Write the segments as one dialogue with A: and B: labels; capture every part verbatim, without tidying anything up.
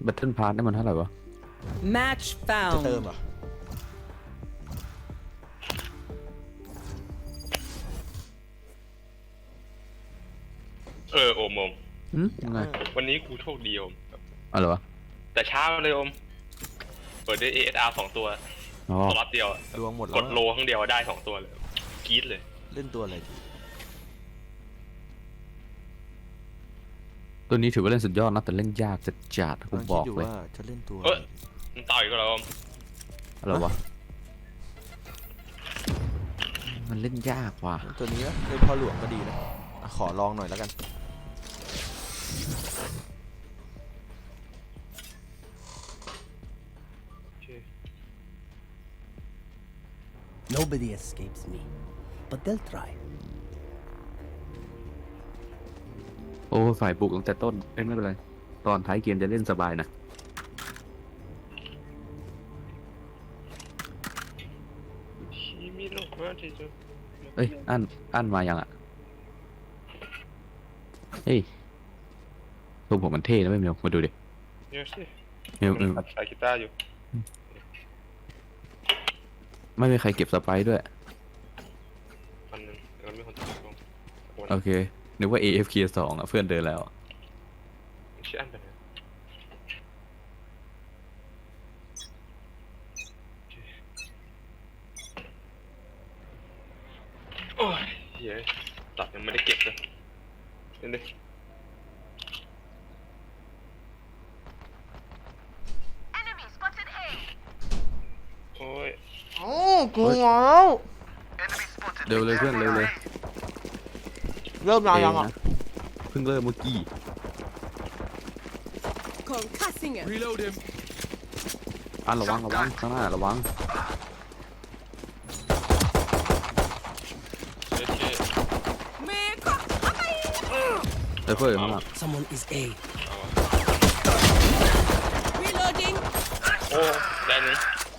A: แบทเทิลพาร์ทนี่มันเท่าไหร่วะ
B: Match
C: จะ
B: found.
C: เติมเหรอ
D: เออโอมโอม
A: อืมยังไง
D: วันนี้กูโชคดีโอม
A: อะไรวะ
D: แต่เช้าเลยโอมเปิดได้ เอ เอส อาร์ สองตัว
A: อ๋อ
D: สล็อตเดียวอะ
C: ดวงหมดแล้
D: ก
C: ว
D: ดโลครั้งเดียวได้สองตัวเลยกรี๊ดเลย
C: เล่นตัวอะไรดี
A: ตัวนี้ถือว่าเล่นสุดยอดนะแต่เล่นยากจัดจัดกู
C: กำลัง
A: บ
C: คิด
A: อก
C: อยู่
A: เลย
C: ว่าจะเล่นตัว
D: เอ้
C: อะไร
D: ย
C: ดี
D: มันต่อยก็แล้วโอม
A: อะไรวะมันเล่นยากว่ะ
C: เล่นตัวนี้นะเล่นพ่อหลวงก็ดีนะอ่ะขอลองหน่อยแล้วกัน
E: Nobody escapes me, but they'll try.
A: โอ้ฝ่ายบุกตั้งแต่ต้นเอ้ยไม่เป็นไรตอนท้ายเกมจะเล่นสบายนะเอ้ยอันอันมายังอ่ะเฮ้ยทรงผมมันเท่นะไม่เมียวมาดูดิ
D: เดี๋ยวสิ
A: เมียวเมียว
D: ใส่กีตาร์อยู่
A: ไม่มีใครเก็บสไปร์ด้วย
D: อันนึงแล้วมีคนตอบลง
A: โอเคนึกว่า เอ เอฟ เค สองอ่ะเพื่อนเดินแล้ว
D: ชื่ออันเป็นไงโอ้ยเฮ้ยตัดยังไม่ได้เก็บเลยเห็นดิ โอ้ย
C: โอ้กูงแล้ว
A: เร็วเลยเพื่อนเร็วเลย
C: เริ่มนานยังอ่ะ
A: เเพิ่งเริ่มเมื่อกี้
B: Concussing him.
A: อันระวังระวังข้างหน้าระวัง
D: เจ๊เจ๊
B: Make
A: เออเพื่อนข้างหน้า
E: Someone is A.
B: Reloading.
D: โอ้ได้หนึ่ง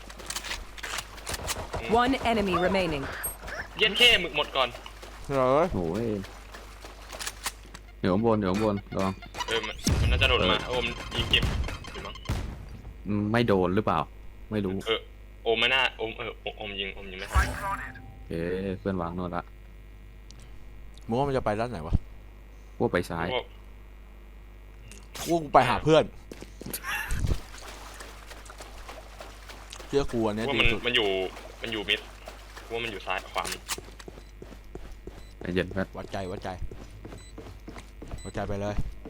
B: One enemy remaining.
D: เย็นเข้หมึกหมดก่อน
C: เหรอ
A: โอ้ยเดี๋ยวข้างบนเดี๋ยวข้างบนระวัง
D: เออมันมันน่าจะโดดมาโอมยิงเก็บหรือมั้ง
A: อืมไม่โดนหรือเปล่าไม่รู้
D: เออโอมไม่น่าโอมเออโอมยิงโอมยิงไม่ทัน
A: เอ๊ะเพื่อนวางโน่นละ
C: มึงว่ามันจะไปด้านไหนวะ
A: พวกไปซ้าย
D: โอ้
C: กูกูไปหาเพื่อนเชื่อกูอันเนี้ย
D: ว่า
C: ดี
D: มัน
C: สุด
D: มันอยู่มันอยู่มิดว่ามันอยู่ซ้ายขวา
A: ใจเย็นเพื่อน
C: วัดใจวัดใจวัดใจไปเลย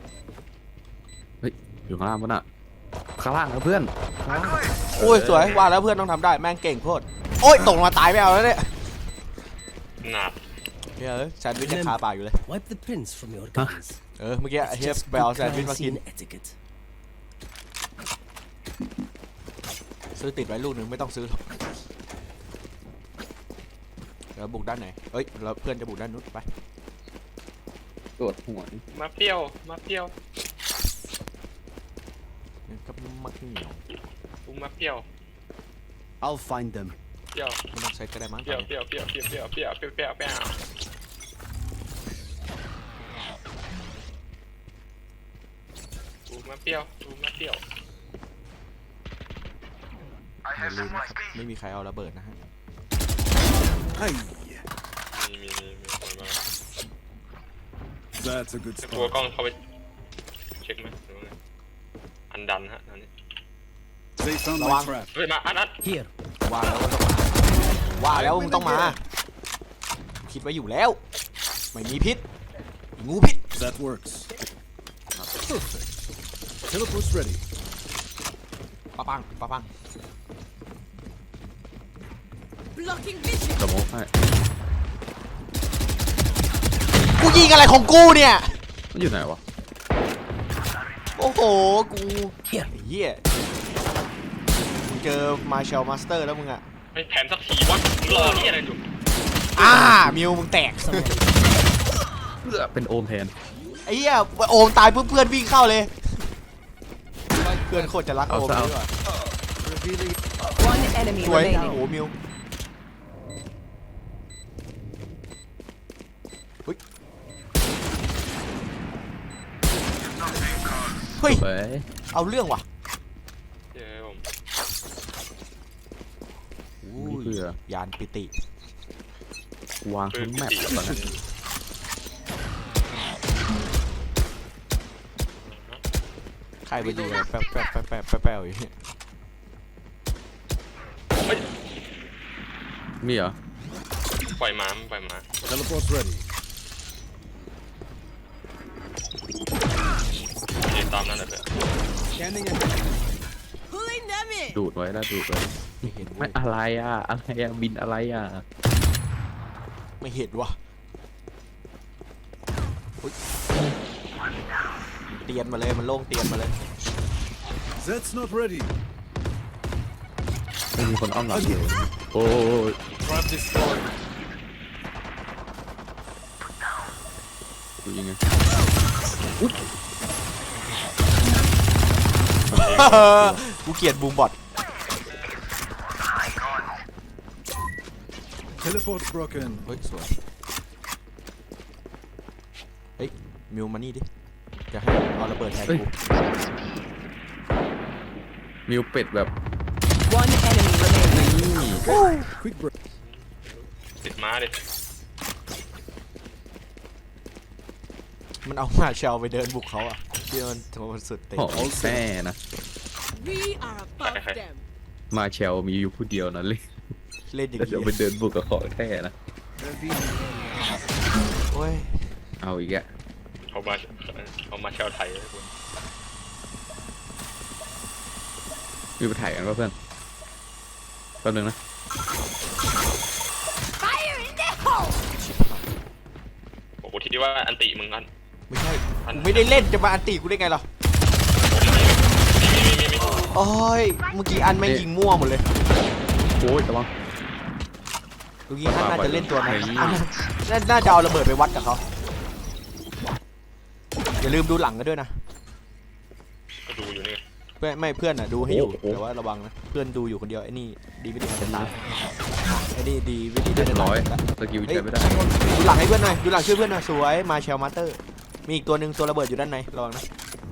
A: อยู่ข้างล่างปะน่ะข้างล่างนะเพื่อนข้างล่าง
C: โอ้ยสวยว่าแล้วเพื่อนต้องทำได้แม่งเก่งโคตรโอ้ยตกลงมาตายไม่เอาแล้วเนี่ย
D: หนาด
C: เฮ้ยแซนด์วิชยังคาปากอยู่เลย
E: Wipe the prints from your guns.
C: เออเมื่อกี้
E: It's
C: เฮีย
E: just
C: ไปเอา
E: good
C: แซนด์วิช
E: crime
C: มากิน
E: scene etiquette.
C: ซื้อติดไว้ลูกหนึ่งไม่ต้องซื้อหรอกแล้วบุกด้านไหนเอ้ยแล้วเพื่อนจะบุกด้านนู้นไป
A: ตรวจหัว
D: มาเปรี้ยวมาเปรี้ยว
C: งั้นก็มักเหนียว
D: กูมาเปรี้ยว
E: I'll find them.
D: เปรี้ยว
C: ไม่ต้องใช้ก็ได้มั้ง
D: เปรี้ยวเปรี้ยวเปรี้ยวเปรี้ยวเปรี้ยวเปรี้ยวเปรี้ยวเปรี้ยวเปรี้ยวกูมาเปรี้ยวกูมาเปรี้ยว
C: อย่าลืมนะครับไม่มีใครเอาระเบิดนะฮะ
D: มีมีมีมีคนมา
F: That's a good
D: จะกลัว
F: start.
D: กล้องเข้าไปเช็คไหมหรือว่าไงอันดันฮะตอนนี้
F: They found my
C: Lamang.
F: trap.
D: เฮ้ยมาอันอัน
E: Here.
C: ว่าแล้วว่าต้องมาว่าแล้วมึงต้องมา คิดไว้อยู่แล้ว ไม่มีพิษไอ้งูพิษ
F: That works. Perfect. Teleport's ready.
C: ปะปังปะปัง
B: Blocking vision.
A: สโมกให้
C: กูยิงอะไรของกูเนี่ย
A: มันอยู่ไหนวะ
C: โอ้โห กู
E: Here.
C: ไอ้เหี้ยมึงเจอมาเชลมาสเตอร์แล้วมึงอะ
D: ไม่แผนสักทีวะมึงรอที่อะไรอยู่
C: อ่ามิวมึงแตก
E: Someone is
A: เพื่อเป็นโอมแทน
C: ไอ้เหี้ยโอมตายเพื่อนเพื่อนวิ่งเข้าเลย เพื่อนโคตรจะรักโอมเลยว่ะ
B: One enemy
C: สวยโอ้
B: remaining.
C: โหมิวเฮ้ยเฮ้ย
A: เฮ้ย
C: เอาเรื่องว่ะยานปิติ
A: วางทั้งแมปตอนนั้น
C: ใครไปยิงอะไรแป๊บแป๊บแป๊บแป๊บแป๊บแป๊บอยู่เนี่ย
A: มีเหรอ
D: ปล่อยม้าปล่อยม้า
F: Teleport's ready.
D: เดี๋ยวตามนั่นแหละเพื่อน
E: Scanning ahead.
B: Pulling them in.
A: ดูดไว้แล้วดูดไว้
C: ไม่เห็น
A: ไม่อะไรอ่ะอะไรอ่ะบินอะไรอ่ะ
C: ไม่เห็นวะอุ๊ยเตียนมาเลยมันโล่งเตียนมาเลย
F: Zed's not ready.
A: ไม่มีคนอ้อมหลังอยู่โอ้ย
F: Trap destroyed.
A: ดูยังไง
C: กูเกลียดบูมบอท
F: Teleport's broken.
C: เฮ้ยสวยเฮ้ยมิวมานี่ดิจะให้เอาระเบิดแทน
A: เฮ้ย
C: กู
A: มิวเป็ดแบบ
B: One enemy remaining.
F: Quick break.
D: ติดม้าดิ
C: มันเอามาเชลไปเดินบุกเขาอ่ะที่มันโทรสุดเต็ม
A: หอแม่นะ
B: We are above them.
A: มาเชลมีอยู่ผู้เดียวนะเลย
C: เล่นอย่าง
A: แล้วเดี๋ยวไป
C: นี้
A: เดินบุกกับของแท้นะ
C: โอ้ย
A: เอาอีกอะ
D: เขามาเขามาเชลไทยเลยคุณ
A: มีไปถ่ายกันป่ะเพื่อนแป๊บนึงนะ
B: Fire in the hole.
D: ผมกูคิดว่าอันติมึงกัน
C: ไม่ใช่กูไม่ได้เล่นจะมาอันตีกูได้ไงหรอ
D: มีมีมีมี
C: โอ้ยเมื่อกี้อันไม่งยิงมั่วหมดเลย
A: โอ้ยแต่ว่า
C: เมื่อกี้อันน่าจะเล่นตัวนั้น
A: เฮ้ย
C: อันน่าน่าจะเอาระเบิดไปวัดกับเขาอย่าลืมดูหลังกันด้วยนะ
D: ก็ดูอยู่นี่
C: เพื่อนไม่เพื่อนอ่ะดูให้อยู่แต่ว่าระวังนะเพื่อนดูอยู่คนเดียวไอ้นี่ดีไม่ดีอาจจะตายไอ้นี่ดีไม่ดี
A: เรียบร้อย
C: าจะตา
A: สกิล
C: เฮ้ย
A: ใช้ไม่ได้
C: ดูหลังให้เพื่อนหน่อยดูหลังช่วยเพื่อนหน่อยสวยมาเชลมาสเตอร์มีอีกตัวหนึ่งตัวระเบิดอยู่ด้านในระวังนะ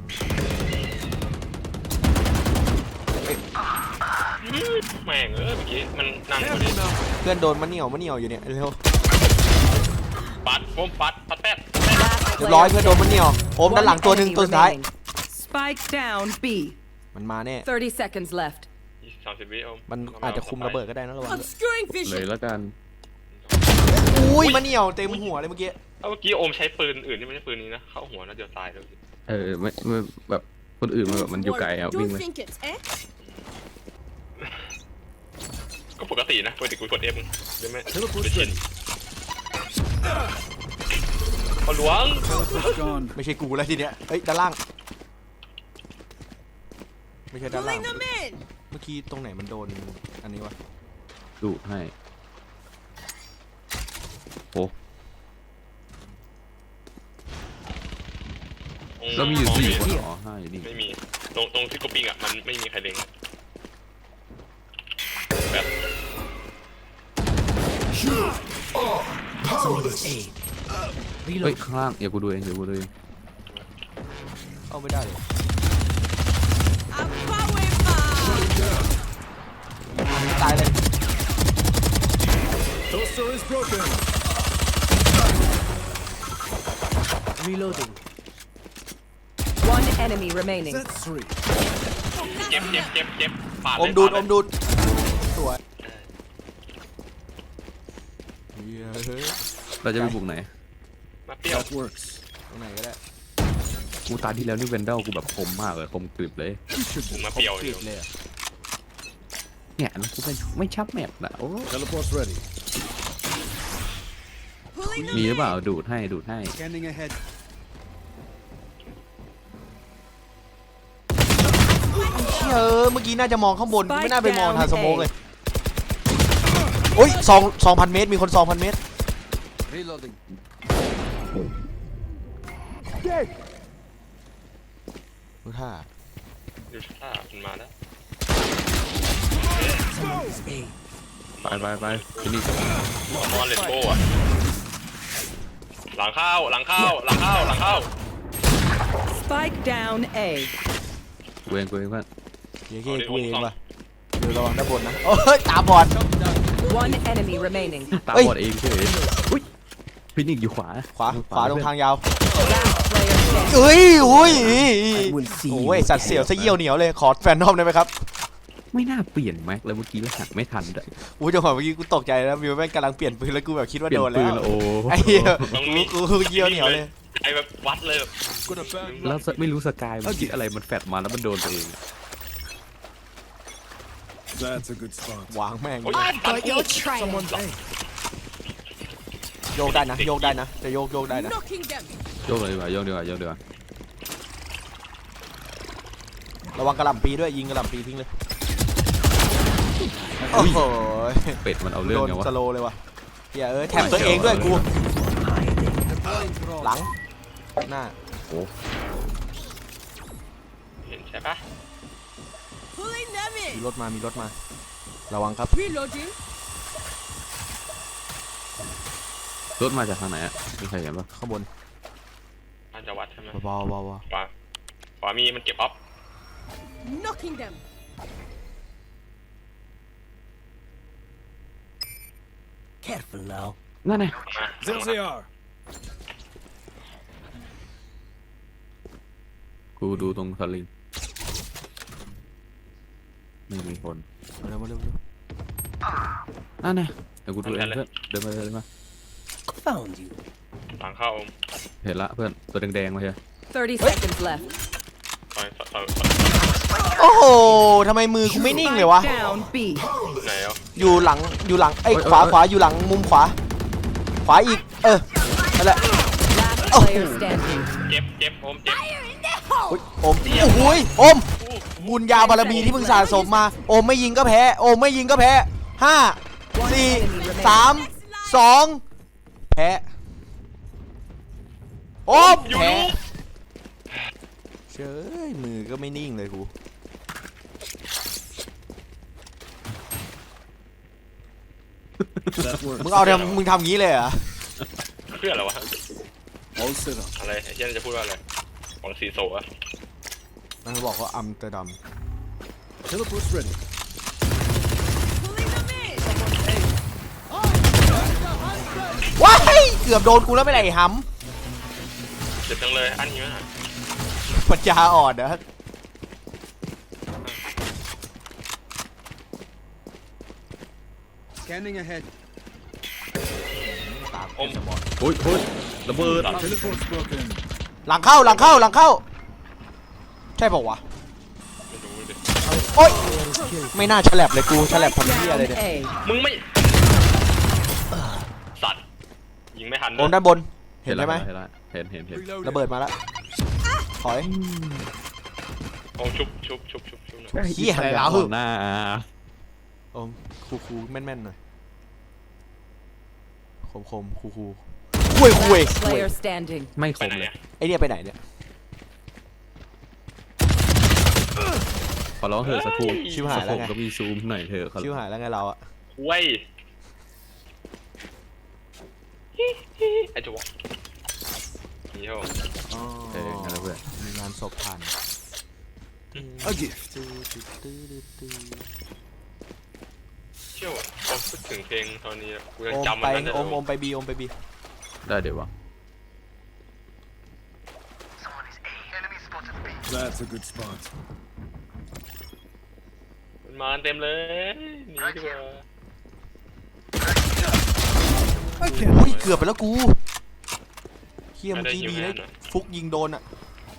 D: แม่งเออเมื่อกี้มันนั่งอยู่ดิ
C: เพื่อนโดนมะเหนียวมะเหนียวอยู่เนี่ยเร็ว
D: ปัดโฟมปัดปัดแป๊บ
C: เรียบร้อยเพื่อนโดนมะเหนียวโอมด้านหลังตัวหนึ่งตัวสุดท้าย
B: Spike down B.
C: มันมาแน่
B: Thirty seconds left.
D: สามสิบวิเอา
C: มันอาจจะคุมระเบิดก็ได้นะระวังด้วย
B: Obscuring
A: เลย
B: vision.
A: แล้วกัน
C: อุ้ยมะเหนียวเต็มหัวเลยเมื่อกี้
D: เอาเมื่อกี้โอมใช้ปืนอื่นที่ไม่ใช่ปืนนี้นะเข้าหัวน่าจะตายแล้ว
A: เออไม่ไม่แบบคนอื่นมันแบบมันอยู่ไกลอ่ะวิ่ง
B: Don't
A: ไป
B: think it, eh?
D: ก็ปกตินะปกติกูกดเอฟได้ไหม
F: Teleport's
D: ไม่ชิน
F: ready.
D: ขอหลวง
F: Teleport's gone.
C: ไม่ใช่กูแล้วทีเนี้ยเฮ้ยด้านล่างไม่ใช่ด้านล่าง
B: Pulling them in.
C: เมื่อกี้ตรงไหนมันโดนอันนี้วะ
A: ดูดให้โอ้แล้วมีอยู่สี่คนอ๋อห้าอยู่นี่
D: ไม่มีตรงตรงที่กูปิงอ่ะมันไม่มีใครเล็งแบบ
A: เฮ้ยข้างล่างเดี๋ยวกูดูเองเดี๋ยวกูดูเอง
C: เข้าไม่ได้เลย
B: I'm power bar.
C: ตายเลย
F: Toaster is broken.
E: Reloading.
B: One enemy remaining.
F: That's three.
D: เจ็บเจ็บเจ็บเจ็บปาด
C: อ
D: เลย
C: มดูด
D: ปา
C: อ
D: เลย
C: มดูดสวยเฮ้ยเฮ้ย
A: เราจะไปบุกไหน
D: มาเปรี้ยว
F: That works.
C: ตรงไหนก็ได้
A: กูตาที่แล้วนี่เวนเดลกูแบบคมมากเลยคมกริบเลย
D: ผมมาเปรี้ยว
C: ก
D: อ
C: รี
D: ยู่
C: ดเลยอะ
A: เนี่ยแล้วกูเป็นไม่ชับแมปนะโอ้
F: Teleport's ready.
B: Pulling them
A: มีหรือเปล่า
B: in.
A: ดูดให้ดูดให้
E: Scanning ahead.
C: เออเมื่อกี้น่าจะมองข้างบน
B: Spike
C: ไม่น่าไปมองทาง
B: down
C: สโมก
B: A
C: เลยโอ้ยสองสองพันเมตรมีคนสองพันเมตร
E: Reloading.
C: ดูท่า
D: ดูท่ามันมาแล้ว
E: Someone is A.
A: ไปไปไปที่นี่
D: มอนเลนโบ้อะหลังเข้าหลังเข้าหลังเข้าหลังเข้า
B: Spike down A.
A: กูเองกูเองเพื่อน
C: เฮ้ยกูเองว่ะเดี๋ยวระวังด้านบนนะโอ้ยตาบอด
B: One enemy remaining.
A: ตาบอดเองเฉยอุ้ยฟินิกอยู่ขวา
C: ขวาขวาตรงทางยาว
B: Last player standing.
C: เอ้ยอุ้ย
E: will see
C: โอ้ยสัตว์เสี่ยวซะเยี่ยวเหนียวเลยขอแฟนนอมได้ไหมครับ
A: ไม่น่าเปลี่ยนแม็กเลยเมื่อกี้แล้วหักไม่ทันด้วย
C: อุ้ยจังหวะเมื่อกี้กูตกใจแล้วมิวแม่งกำลังเปลี่ยนปืนแล้วกูแบบคิดว่า
A: เปลี่ย
C: โด
A: น
C: น
A: ปื
C: แล้ว
A: นโอ้
C: ไอ้เหี้ย
D: ตรงนี้
C: กูกูเยี่ยวเหนียวเลย
D: ไอ้แบบวัดเลยแบบ
F: Got a bad
A: แล้วไม่รู้สกายมันคิดอะไรมันแฟดมาแล้วมันโดนตัวเอง
F: That's a good spot.
C: วางแม่ง
D: โอ้ย
B: I've got your trail.
F: Someone's A.
C: โยกได้นะโยกได้นะจะโยกโยกได้นะ
B: Knocking them.
A: โยกเลยดีกว่าโยกดีกว่าโยกดีกว่า
C: ระวังกระหล่ำปีด้วยยิงกระหล่ำปีทิ้งเลยโอ้โห
A: เป็ดมันเอาเรื่อง
C: โดน
A: ไงวะ
C: สโลว์เลยว่ะเหี้ยเอ้ยแถมตัวเองด้วยกูหลังหน้า
D: เห็นใช่ปะ
B: Pulling them
C: มี
B: in.
C: รถมามีรถมาระวังครับ
B: Reloading.
A: รถมาจากทางไหนอ่ะมีใครเห็นปะ
C: ข้างบน
D: มันจะวัดใช่ไหม
C: เบาๆเบา
D: ขวาขวามีมันเก็บออฟ
B: Knocking them.
E: Careful now.
A: นั่นไง
D: มา
F: There they are.
A: กูดูตรงสลิงไม่มีคน
C: ๆเร็วมาเร็วมาเร็ว
A: นั่นไงเดี๋ยวกูดูเองเพื่อนเดินมาเดินมา
E: Found you.
D: หลังเข้า
A: เห็นละเพื่อนตัวแดงๆมาเฮีย
B: Thirty seconds left.
D: ซอยซอยซอยซอย
C: โอ้โหทำไมมือกูไม่นิ่งเลยวะ
B: Spike down B.
D: ไหนอ่ะ
C: อยู่หลังอยู่หลังไอ้ยขวาขวาอยู่หลังมุมขวา ขวาอีก เออนั่นแหละ
B: Last player standing.
D: เจ็บเจ็บโอมเจ็บ
C: อุ๊ยโอมโอ้โหยโอมบุญญาบารมีที่มึงสะสมมาโอมไม่ยิงก็แพ้โอมไม่ยิงก็แพ้ห้าสี่สามสองแพ้โอมแพ้เชยมือก็ไม่นิ่งเลยกู
F: That works.
C: มึงเอาทำมึงทำงี้เลยเหรอ
D: เพื่ออะไรวะ
F: All set up.
D: อะไรไอ้เช่นจะพูดว่าอะไรหวังสีโซอะ
C: มันบอกว่าอัมสเตอร์ดัม
F: Teleport's ready.
B: Pulling them in.
C: ว้ายเกือบโดนกูแล้วไม่ไหนห
D: เจ็บจังเลยอันนี้มาก
C: ำปัญญาอ่อนนะ
E: Scanning ahead.
D: อม
A: โอ้ยโอ้ยระเบิด
F: Teleport's broken.
C: หลังเข้าหลังเข้าหลังเข้า ใช่ป่าววะ
D: ไม่รู้ดิ
C: โอ๊ยไม่น่าฉลับเลยกูฉลับทำเหี้ยอะไร
B: Down
C: เนี่ย
B: A.
D: มึงไม่สัตว์ยิงไม่ทัน
C: โอนด้านบนเห็นใช่ไหม
A: เห็นละเห็นเห็นเห็น
F: Reloading.
C: ระเบิดมาแล้วถอย
D: โอมชุบชุบชุบชุบชุบหน่อย
C: เหี้ยอะไรแล้ว
A: หน้า
C: โอมคูคูแม่นๆหน่อยคมคมคูคูคุยคุย
B: Player standing.
A: ไม่ค
D: ไป
A: ม
D: ไหน
A: เลย
D: อะ
C: ไอเนี่ยไปไหนเนี่ย
A: ขอร้องเถอะสักครู่
C: ชิบหายแล้วไง
A: ก็มีซูมหน่อยเถอะขอ
C: ชิวหายแล้วไงเราอะ
D: เว้ยไอ้จ๊วะนี่เหรอ
C: อ๋อ
A: เออนั่นแหละเพื่อน
C: มีงานศพผ่าน
F: A gift.
D: เชี่ยวอะพอพูดถึงเพลงตอนนี้อะกูยัง
C: โอม
D: จำ
C: ไป
D: มันได้
C: โอม
D: เลย
C: โอมไปบีโอมไปบี
A: ได้เดี๋ยววะ
F: That's a good spot.
D: มันมาเต็มเลยหนีดีกว่า
F: I can't.
C: อุ้ยเกือบไปแล้วกูเฮียเมื่อกี้ดีนะฟุกยิงโดนอะ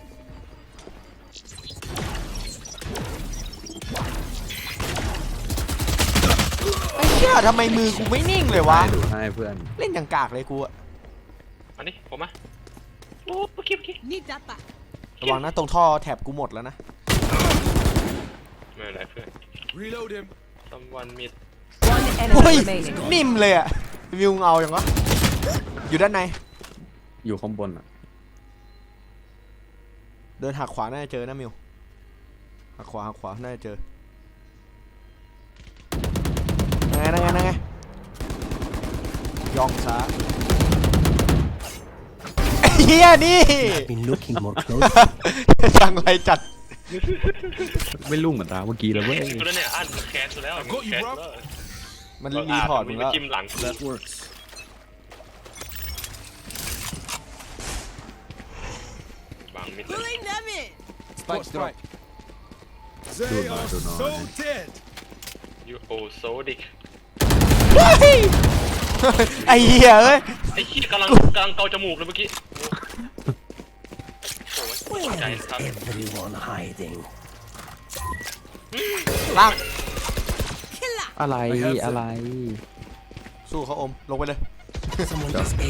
C: ไอ้เหี้ยทำไมมือกูไม่นิ่งเลยวะ
A: ให้ดูให้เพื่อน
C: เล่นอย่างกากเลยกูอะ
D: อันนี้ผมมาโอ้โอเคโอเค
B: Need that back.
C: ระวังนะตรงท่อแถบกูหมดแล้วนะ
D: ไม่เป็นไรเพื่อน
F: Reload him.
D: someone mid
B: One
C: โอ้ย
B: enemy remaining.
C: นิ่มเลยอะวิวเงาอย่างวะอยู่ด้านใน
A: อยู่ข้างบนอ่ะ
C: เดินหักขวาน่าจะเจอนะมิวหักขวาหักขวาน่าจะเจอนั่งไงนั่งไงนั่งไงย่องซ้ายไอ้เฮียนี่
E: Been looking more closely.
C: จังไรจัด
A: ไม่ลุ่งเหมือนตาเมื่อกี้แล้วเว้ย
D: กูแล้วเนี่ยอันแคสกูแล้ว
F: I've got you,
D: แคส
F: bro
D: แล้ว
C: มันรีพอร์ตมึงแล้ว
D: จิ้มหลัง
F: That works.
D: วางมิดเลย
B: Pulling them in.
F: Spike strike. They
A: Don't
F: are
A: know, don't know.
F: so dead.
D: ยูโอโซดิก
C: เฮ้ยไอ้เหี้ยเอ้ย
D: ไอ้ขี้ยกำลังกำลังเกาจมูกเลยเมื่อกี้โอ้โหตกใจ
E: Where
D: นะ
E: is
D: ครับ
E: everyone hiding?
C: ล่าง
B: Killer.
A: อะไร
F: I have them.
A: อะไร
C: สู้เขาอมลงไปเลย
E: Someone is A.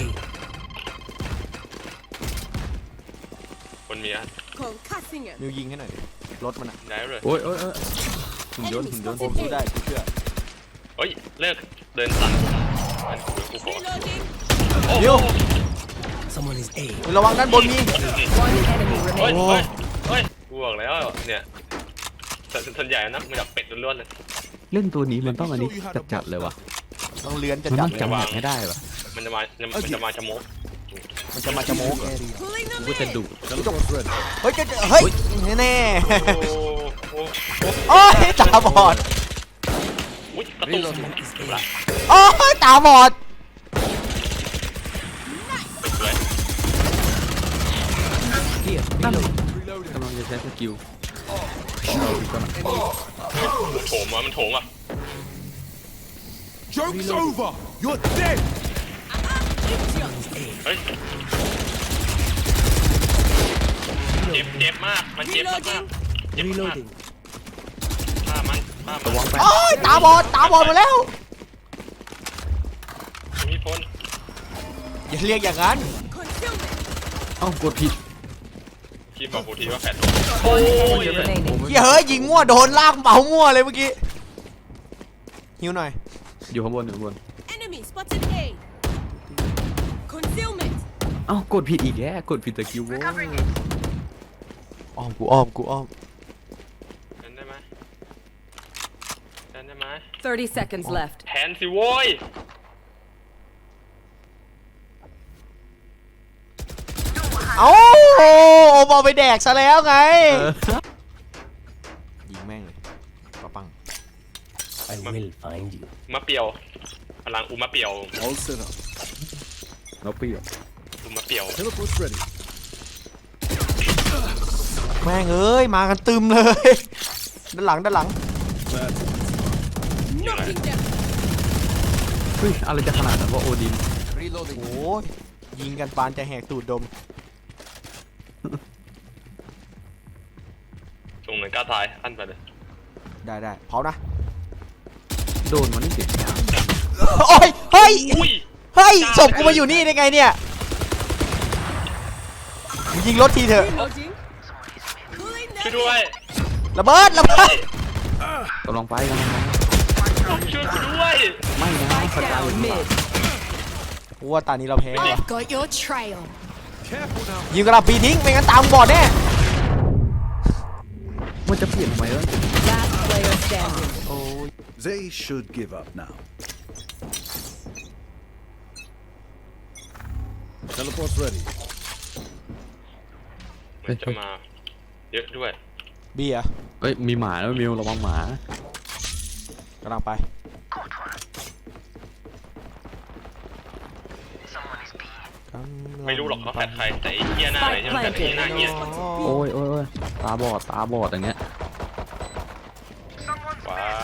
D: คนมีอัน
B: Concussing him.
C: มิวยิงให้หน่อยดิรถมันอะ
D: ได้เลย
A: โอ้ยโอ้ยโอ้ยหุ่นยนต์หุ่นยนต์
C: อมสู้ได้กูเชื่อ
D: เฮ้ยเลิกเดินสั่นอันกูกูขอ
B: Reloading.
D: โอ้
C: เดี๋ยว
E: Someone is A.
C: ระวังด้านบนมี
B: One enemy
D: เฮ้ย
B: remaining.
D: เฮ้ยเฮ้ยกูบอกแล้วเนี่ยส่วนส่วนใหญ่นะมันจะเป็ดล้วนๆเลย
A: เล่นตัวนี้มันต้องอันนี้จัดจัดๆเลยว่ะ
C: ต้องเลื้อนจะ
A: มัน
C: จั
A: ต้
C: บ
A: องจำแหกให้ได้ว่ะ
D: มันจะมามันจะมาจะโมก
C: มันจะมาจะโมก
B: Pulling
A: กู
B: them
A: ก็จะ
B: in.
A: ดุ
F: Teleport's ready.
C: เฮ้ยจะเฮ้ยแน่
D: โอ้โหโอ้โห
C: ๆโอ้ยตาบอด
D: อุ้ยกระตุก
E: Someone is A.
C: โอ้ยตาบอด
D: สวย
E: Here, reload.
A: กำลังจะใช้สกิล
D: มันโถมว่ะมันโถมว่ะ
F: Joke's over. You're dead.
D: เฮ้ยเจ็บเจ็บมากมันเจ็บมากมากเจ็บมาก
E: Reloading.
D: ฆ่ามันฆ่ามัน
C: โอ้ยตาบอดตาบอดหมาแล้ว
D: มีพ้น
C: อย่าเรียกอย่างนั้น
B: Concealment.
A: เอ้ากดผิด
D: ทีมบอกกูทีว่าแฟด
B: One enemy remaining.
C: เหี้ยเฮ้ยยิงมั่วโดนลากเมามั่วเลยเมื่อกี้หิวหน่อย
A: อยู่ข้างบนอยู่ข้างบน
B: Enemy spotted A. Concealment.
A: เอ้ากดผิดอีกแย่กดผิดสกิลโว้ย
C: อ้อมกูอ้อมกูอ้อม
D: แทนได้ไหมแทนได้ไหม
B: Thirty seconds left.
D: แทนสิโว้ย
C: เอ้าโอมเอาไปแดกซะแล้วไงยิงแม่งเลยปะปัง
E: I will find you.
D: มะเปียวพลังอุมะเปียว
F: All set up.
A: เราเปรี้ยว
D: อุมะเปียว
F: Teleport's ready.
C: แม่งเอ้ยมากันตึมเลยด้านหลังด้านหลัง
F: That's
B: Knocking them.
A: เฮ้ยอะไรจะขนาดนั้นว่าโอดิน
C: โอ้ยยิงกันปานจะแหกตูดดม
D: ตรงเหมือนกล้าตายอันไปเลย
C: ได้ได้เผานะ
A: โดนมันนี่เสียยาง
C: โอ้ยเฮ้ย
D: อุ้ย
C: เฮ้ยศพกูมาอยู่นี่ได้ไงเนี่ยมึงยิงรถทีเถอะ
B: Reloading. Pulling
D: ช่วย
B: them
D: ด้วย
C: ระเบิดระเบิด
A: กำลังไปกำลังไป
D: ช่วยกูด้วย
A: ไม่นะ
B: Spike
A: พระเจ้า
B: down mid.
C: กูว่าตานี้เราแพ้ว่ะ
B: Got your trail.
F: careful now.
C: ยิงกระดาษปีทิ้งไม่งั้นตามบอดแน่
A: มันจะเปลี่ยนทำไมวะ
B: Last player standing.
C: โอ้ย
F: They should give up now. Teleport's ready.
D: มันจะมาเยอะด้วย
C: เบียร์
A: เอ้ยมีหมาแล้วมิวระวังหมาก
C: ำลังไป
D: ไม่รู้หรอกเขาแฟดใครแต่ไอ้เหี้ยหน้าไหนเนี่ยมันแฟดไอ้หน้าเหี้ย
A: โอ้ยโอ้ยโอ้ยตาบอดตาบอดอย่างเงี้ย
D: ว้า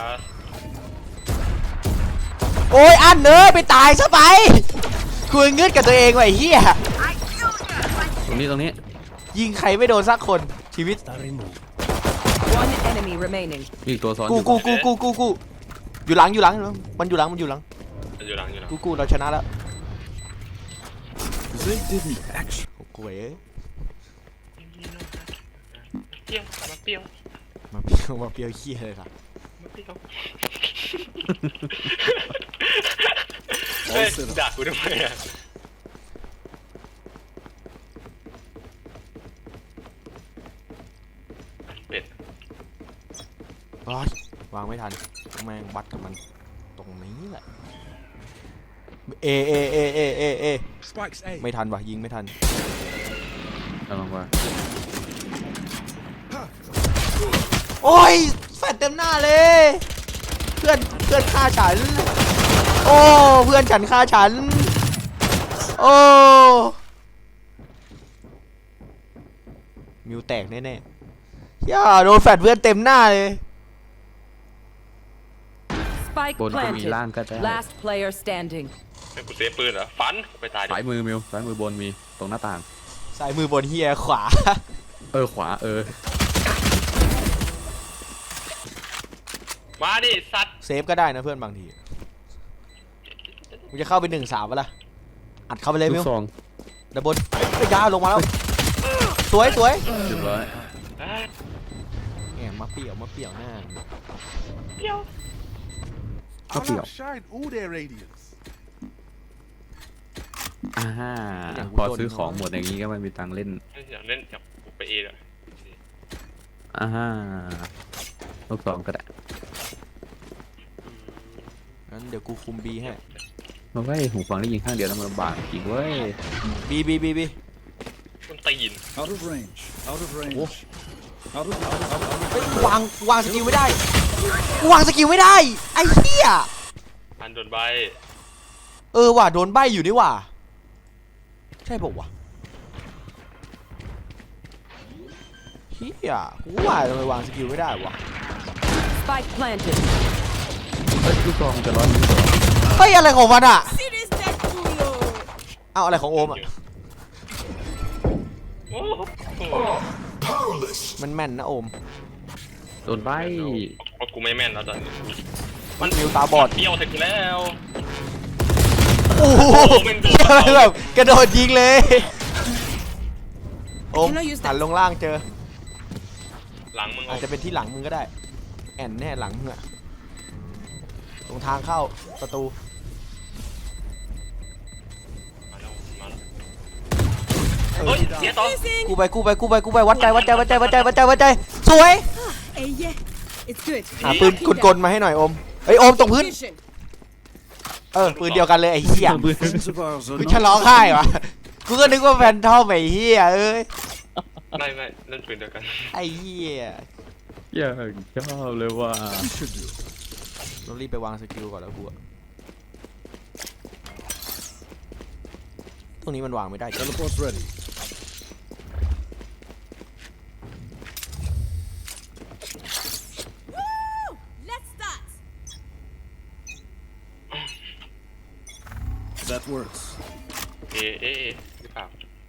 C: โอ้ยอันเนยไปตายซะไปคุยเงืดกับตัวเองว่ะไอ้เหี้ย
A: ตรงนี้ตรงนี้
C: ยิงใครไม่โดนสักคนชีวิต
E: Star removed.
B: One enemy remaining.
A: มีอีกตัวซ้อนอ
C: กู
A: ยู่
C: กูกูกูกูกูอยู่หลังอยู่หลังมันอยู่หลังมันอยู่หลัง
D: อยู่หลังอยู่หลัง
C: กูกูเราชนะแล้ว
F: They didn't actually.
C: กูเอ๋
D: เปรี้ยวมาเปรี้ยว
C: มาเปียวมาเปียวเหี้ยเลยครับ
D: มาเปรี้ยวเฮ้ยด่ากูทำไมอ่ะเป็ด
C: ร้อยวางไม่ทันแม่งวัดกับมันตรงนี้แหละเอเอเอเอเอเอ
F: Spikes A.
C: ไม่ทันว่ะยิงไม่ทัน
A: กำลังว่า
C: โอ้ยแฟดเต็มหน้าเลยเพื่อนเพื่อนฆ่าฉันโอ้เพื่อนฉันฆ่าฉันโอ้มิวแตกแน่ๆย่าโดนแฟดเพื่อนเต็มหน้าเลย
B: Spike
A: บนก็มีล่าง
B: planted.
A: ก็ได้
B: Last player standing.
D: ให้กูเซฟปืนเหรอฟันไปตายดิ
A: สายมือมิวสายมือบนมีตรงหน้าต่าง
C: ซ้ายมือบนเฮียขวา
A: เออขวาเออ
D: มาดิสัตว์
C: เซฟก็ได้นะเพื่อนบางทีมึงจะเข้าไปหนึ่งสามวะล่ะอัดเข้าไปเลย
A: ลู
C: มิ
A: ก
C: ว
A: ซอง
C: ดับบนยาวลงมาแล้วสวยสวย
A: เรียบร้อย
D: เอ้ย
C: แหมมาเปี่ยวมาเปี่ยวหน้า
A: ก็เปลี่ยว
F: outshine all their radiance.
A: อ่าพอซื้อของหมดอย่างนี้ก็ไม่มีตังค์เล่น
D: อยากเล่นอยากไปเอเลย
A: อ่าลูกซองก็ได้
C: งั้นเดี๋ยวกูคุมบีให้
A: มาไว้หูฟังได้ยินข้างเดียวแล้วมันลำบากจริงเว้ย
C: บีบีบีบี
D: มันตีน
F: Out of range. Out of range. Out of, out of, out of
C: เฮ้ยวางวางสกิลไม่ได้วางสกิลไม่ได้ไอ้เหี้ย
D: อันโดนใบ
C: เออว่ะโดนใบอยู่นี่ว่ะใช่ปะวะเหี้ยกูว่าทำไมวางสกิลไม่ได้วะ
B: Spike planted.
A: เอ้ยลูกซองจะร้อยนิ้วสอง
C: เฮ้ยอะไรของมันอ่ะเอาอะไรของโอมอ่ะ
D: โอ้โห
C: มันแม่นนะโอม
A: โดนใบ
D: เอากูไม่แม่นแล้วตอนนี้
C: มันมิวตาบอด
D: เที่ยวถึงแล้ว
C: โอ้โหแบบกระโดดยิงเลยโอมหันลงล่างเจอ
D: หลังมึง
C: อา
D: เอา
C: จจะเป็นที่หลังมึงก็ได้แอนแน่หลังมึงอะตรงทางเข้าประตู
D: มาแล้วมาแล้วเฮ้ยเสียต่อ
C: กูไปกูไปกูไปกูไปวัดใจวัดใจวัดใจวัดใจวัดใจวัดใจสวย
B: Hey, yeah, it's good.
C: หาปืนกลๆมาให้หน่อยโอมเฮ้ยโอมตรงพื้น
B: Mission.
C: เออปืนเดียวกันเลยไอ้เหี้ย
F: friends of ours are
C: กู
F: not
C: ฉลองค่ายวะกูก็นึกว่าแฟนทอมไอ้เหี้ยเอ้ย
D: ไม่ไม่เล่นปืนเดียวกัน
C: ไอ้เหี้ย
A: อย่างชอบเลยว่า
F: should do.
C: เรารีบไปวางสกิลก่อนแล้วกูอะตรงนี้มันวางไม่ได้
F: Teleport's ready.
B: Let's start.
F: That works.
D: เอเอเอหรือเปล่า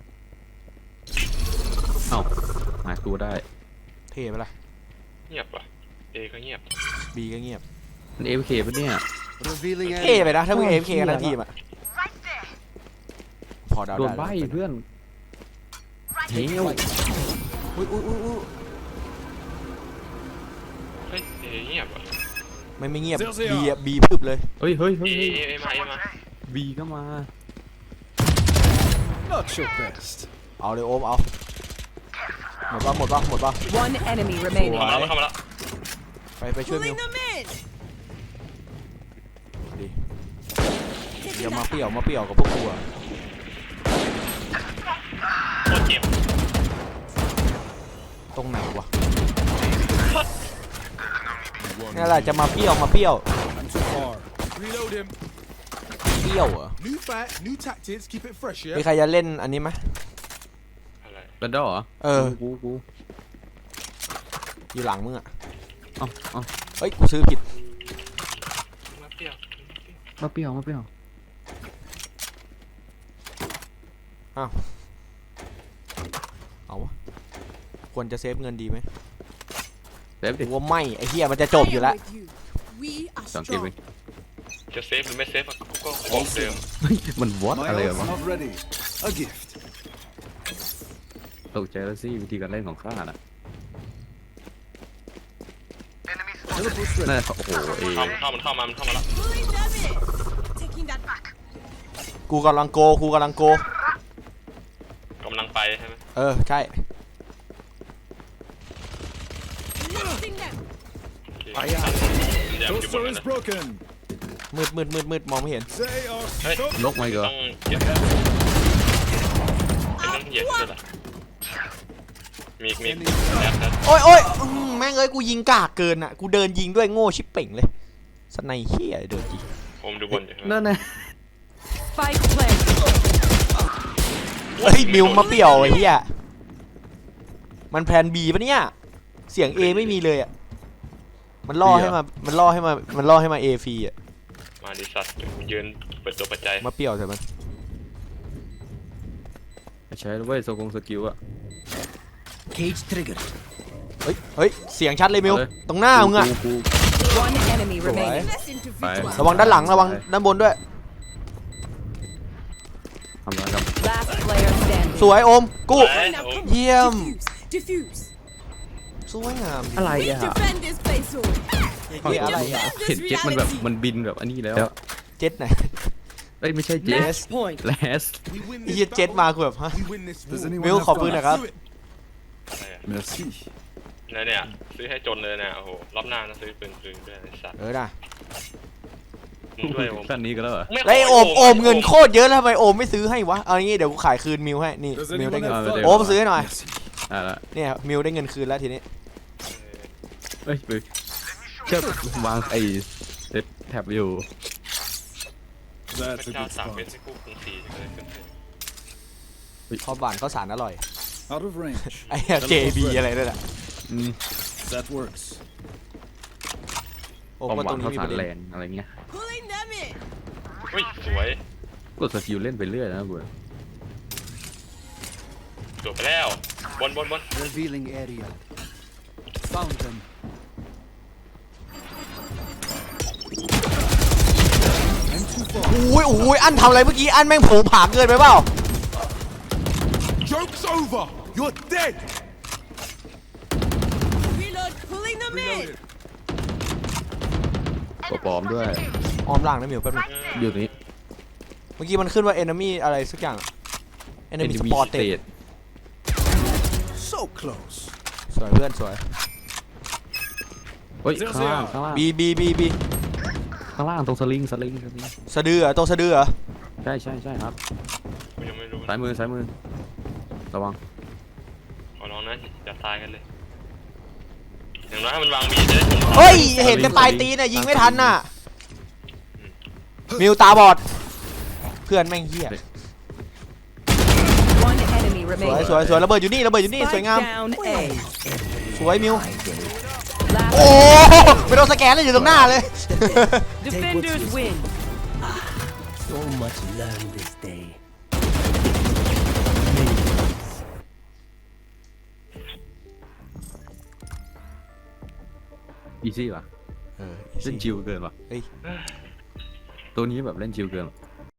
A: เอ้าหาตัวได้
C: เท่ไปละ
D: เงียบว่ะเอก็เงียบ
C: บีก็เงียบ
A: มันเอฟเคปะเนี่ย
F: Revealing
C: เท่ไป
F: enemy.
C: นะถ้ามึงเอฟเคกันทั้งทีมอะพอเดา
A: โด
C: ได้
A: นใบ
C: แล้ว
A: เพื่อนเฮ้ย
C: อุ้ยอุ้ยอุ้ยอุ้ย
D: เฮ้ยเอเงียบว่ะ
C: ไม่ไม่เงียบ
F: เซลเซีย
C: บีอะบีพึบเลย
A: เฮ้ยเฮ้ย
D: เอ
A: เฮ้ย
D: เอเอมาเอมา
A: บีก็มา
F: Not your best.
C: เอาเลยโอมเอาหมดปะหมดปะหมดปะ
B: One enemy remaining.
D: เข้ามาแล้วเข้ามาแล้ว
C: ไปไปช่วยมิว
B: them in.
C: ดีเดี๋ยวมาเปรี่ยวมาเปรี่ยวกับพวกกูอะ
D: โคตรเจ็บ
C: ตรงไหนวะนี่แหละจะมาเปรี้ยวมาเปรี้ยว
F: I'm too far. Reload him.
C: เปรี้ยวเหรอ
F: New fight, new tactics. Keep it fresh,
C: มี
F: yeah?
C: ใครจะเล่นอันนี้ไหม
D: อะไร
A: แบนดอลเหรอ
C: เออ
A: กูกู
C: อยู่หลังมึงอะ
A: เอ้าเอ้า
C: เฮ้ยกูซื้อผิด
D: มาเปรี้ยว
A: มาเปรี้ยวมาเปรี้ยว
C: เอาวะควรจะเซฟเงินดีไหม
A: เซฟ
C: หรื
A: ดิ
C: อว่าไม่ไอ้เหี้ยมันจะจบอยู่แล้ว
B: We are
A: สองเกมเอง
D: จะเซฟหรือไม่เซฟอะกูก็บอกเดิม
A: เฮ้ยมันวอต
F: My
A: อะไร
F: ult's
A: วะ
F: not ready. A gift.
A: ตกใจแล้วสิวิธีการเล่นของข้าน่ะ
F: Teleport's
A: น่า
F: ready.
A: จะโอ้โหเอ
D: เข้ามันเข้ามันเข้ามามันเข้ามาแล้ว
B: pulling them in. Taking that back.
C: กูกำลังโกกูกำลังโก
D: กำลังไปใช่ไหม
C: เออใช่
B: Lifting them.
D: ไปอ่ะเดี๋ยวอยู่บน
F: Toaster
D: นั้น
F: is
D: นะ
F: broken.
C: มืดมืดมืดมืดมองไม่เห็น
F: They are
D: Hey.
F: stuck.
A: นกมาอีกเหรอ
D: ต้องเหยียบเป็นนั่งเหยียบด้วยล่ะมีมีแล้วแล้ว
C: โอ้ยโอ้ยอื้อหือแม่งเอ้ยกูยิงกากเกินอ่ะกูเดินยิงด้วยโง่ชิบเป่งเลยสไนเฮียเดินยิง
D: โอมดูบอลอยู่
A: นั่นไง
B: Spike planted.
C: เฮ้ยมิวมาเปี่ยวไอ้เหี้ยมันแพลนบีปะเนี่ยเสียง A ไม่มีเลยอ่ะมันล่อให้มามันล่อให้มามันล่อให้มา A ฟรีอ่ะ
D: มาดิสัตว์ยืนเปิดตัวปัจจัย
C: มาเปี่ยวใส่มัน
A: ใช้แล้วเว้ยโซกงสกิลอะ
E: Cage triggered.
C: เฮ้ยเฮ้ยเสียงชัดเลยมิว
A: เอาเลย
C: ตรงหน้ามึงอ่ะ
A: กู
B: One enemy remaining.
C: Right.
B: Less
A: Bye.
B: individual.
C: ระวังด้านหลังระวังด้านบนด้วย
A: ทำร้ายครับ
B: Last player standing.
C: สวยโอมกู้
D: ไปโอม
C: เยี่ยม
B: Diffuse.
C: สวยงาม
A: อะไร
B: We
A: อ่ะ
B: defend this place all.
C: เฮ้ยอะไรอ่ะ
A: เห็นเจ็ตมันแบบมันบินแบบอันนี้แล้วอะ
C: เจ็ดไหน
A: เอ้ยไม่ใช่เจ็ต
B: Match point.
A: แลส
C: ไอ้เหี้ยเจ็ดมาคือแบบฮะ
F: Does anyone
C: มิว
F: have
C: ขอปืนหน่อยครับ
D: อะไรอะ
F: Merci.
D: เนี่ยเนี่ยซื้อให้จนเลยเนี่ยโอ้โหรอบหน้านะซื้อปืนปืนด้วยไอ้สัตว์
C: เออนะ
D: มึงด้วยโอม
A: ขั้นนี้ก็แล้วเหรอ
D: ไม่ข
C: แล้วไอ้โอมโอม
D: ให้
C: เงินโคตรเยอะแล้วทำไมโอมไม่ซื้อให้วะเอางี้เดี๋ยวกูขายคืนมิวให้นี่
F: Does
C: มิวได้
F: anyone
C: เงิน
F: have
A: Ờ,
F: fire?
C: โอมซื้อให้หน่อย
F: Merci.
A: อ่ะละ
C: เนี่ยมิวได้เงินคืนแล้วทีนี้
A: เอ้ยไปเชื่อวางไอ้เซตแท็บอยู่
D: พ
F: That's
D: ระ
F: a
D: เจ้า
F: good
D: สามเม็ด
F: spot.
D: ที่คู่กรุงศรีเลยขึ้นเลย
C: ข้าวหวานข้าวสารอร่อย
F: Out of range.
C: ไอ้เหี้ย เจ บี อะไรนั่นแหละ
A: อืม
F: That works.
C: โอ้
A: ความ
C: มา
A: ห
C: ต
A: วั
C: รง ง
A: ข้า
C: นี้
A: ว
C: มี
A: สา
C: ป
A: ร
C: ระ
A: แล
C: เด็น
A: นอะไรเงี้ย
B: Pulling them in.
D: อุ้ยสวย
A: กดสกิลเล่นไปเรื่อยนะกู
D: จบไปแล้วบนบนบน
F: Revealing area. Found them.
C: อุ้ยอุ้ยอันทำอะไรเมื่อกี้อันแม่งโผงผางเกินไปเปล่า
G: Joke's over! You're dead!
B: Reload. Pulling them in.
A: ตัวปลอมด้วย
C: ออมล่างนะมิวแป๊บนึง
A: อยู่นี้
C: เมื่อกี้มันขึ้นว่า enemy อะไรสักอย่าง enemy
A: Enemy
C: spotted
A: state
G: So close.
C: สวยเพื่อนสวย
A: เฮ้ยข้างล่างข้างล่าง
C: B B B B
A: ข้างล่างตรงสลิงสลิงสลิง
C: สะดือเหรอตัวสะดือเหรอ
A: ใช่ใช่ใช่ครับ
D: กูยังไม่รู้
A: ซ้ายมือซ้ายมือระวัง
D: ขอร้องนะอย่าตายกันเลยอย่างน้อยให้มันวางบีจะได้ถึง
C: เฮ้ย เห็นแต่ปลายตีนน่ะยิงไม่ทันน่ะ มิวตาบอด เพื่อนแม่งเหี้ย
B: One enemy
C: สวย
B: remaining.
C: สวยสวยระเบิดอยู่นี่ระเบิดอยู่นี่สวย
B: Spike
C: งาม
B: down A.
C: สวยมิว
B: Last
C: โอ้ไม่โดนสแกนเลยอยู่ตรงหน้าเลย
B: defenders win.
E: So much learned this day.
A: อีซี่ว่ะ
C: เออ
A: เล่นชิวเกินว่ะ
C: เฮ้ย
A: ตัวนี้แบบเล่นชิวเกินว่ะ